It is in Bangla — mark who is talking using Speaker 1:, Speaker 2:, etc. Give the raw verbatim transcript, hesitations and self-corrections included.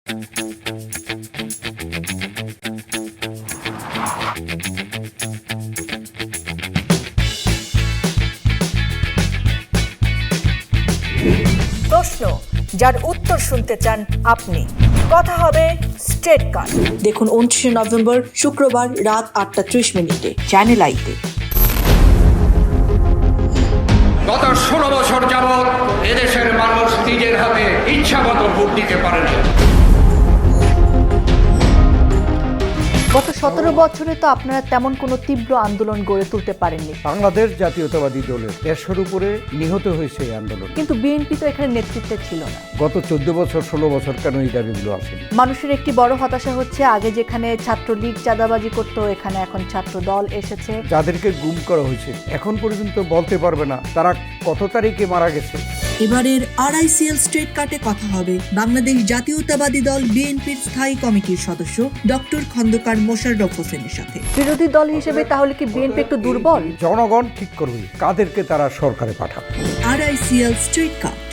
Speaker 1: প্রশ্ন যার উত্তর শুনতে চান আপনি, কথা হবে স্ট্রেট কাট। দেখুন উনত্রিশে নভেম্বর শুক্রবার রাত আটটা ত্রিশ মিনিটে চ্যানেল আইতে।
Speaker 2: গত ষোলো বছর যাবৎ এদেশের মানুষ নিজের হাতে ইচ্ছা মতো ভোট দিতে পারেনি।
Speaker 1: গত সতেরো বছরে তো আপনারা তেমন কোনো তীব্র আন্দোলন গড়ে তুলতে পারেননি।
Speaker 3: বাংলাদেশ জাতীয়তাবাদী দলের দেড়শোর উপরে নিহত হয়েছে এই আন্দোলন,
Speaker 1: কিন্তু বিএনপি তো এখানে নেতৃত্বে ছিল না।
Speaker 3: গত চোদ্দ বছর ষোলো বছর কেন এই দাবিগুলো আসেনি?
Speaker 1: মানুষের একটি বড় হতাশা হচ্ছে, আগে যেখানে ছাত্রলীগ চাঁদাবাজি করতো, এখানে এখন ছাত্র দল এসেছে।
Speaker 3: যাদেরকে গুম করা হয়েছে এখন পর্যন্ত বলতে পারবে না তারা কত তারিখে মারা গেছে।
Speaker 4: এবারের আরআইসিএল স্ট্রেট কাটে কথা হবে বাংলাদেশ জাতীয়তাবাদী দল বিএনপির স্থায়ী কমিটির সদস্য ডক্টর খন্দকার মোশাররফ হোসেনের সাথে।
Speaker 1: বিরোধী দল হিসেবে তাহলে কি বিএনপি একটু দুর্বল?
Speaker 3: জনগণ ঠিক করবে কাদেরকে তারা সরকারে পাঠাবে।
Speaker 4: আরআইসিএল স্ট্রেট কাট।